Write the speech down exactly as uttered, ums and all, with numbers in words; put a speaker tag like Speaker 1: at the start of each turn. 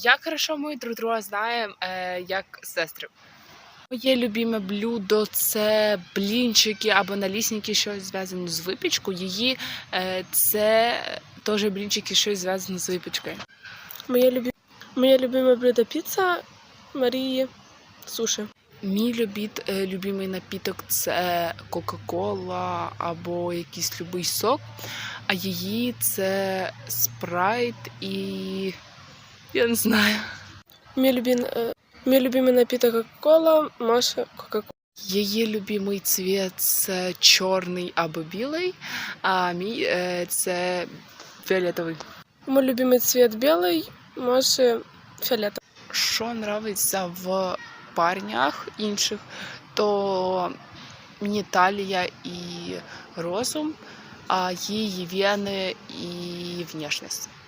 Speaker 1: Як хорошо ми друг друга знаємо, е, як сестри. Моє любиме блюдо – це блінчики або налісники, щось зв'язане з випічкою. Її е, це теж блінчики, щось зв'язане з випічкою.
Speaker 2: Моє, любі... Моє любиме блюдо – піца, Марії – суші.
Speaker 1: Мій любіт, е, любимий напіток – це Кока-Кола або якийсь любий сок, а її – це спрайт і я не знаю.
Speaker 2: Мій любим, е... Мій любимий напіток – Кока-Кола, Маша – Кока-Кола.
Speaker 1: Її любимий цвіт – це чорний або білий, а мій е, – це фіолетовий.
Speaker 2: Мій любимий цвіт – білий, Маші – фіолетовий.
Speaker 1: Що подобається в парнях інших, то мені талія і розум, а її вени і внешність.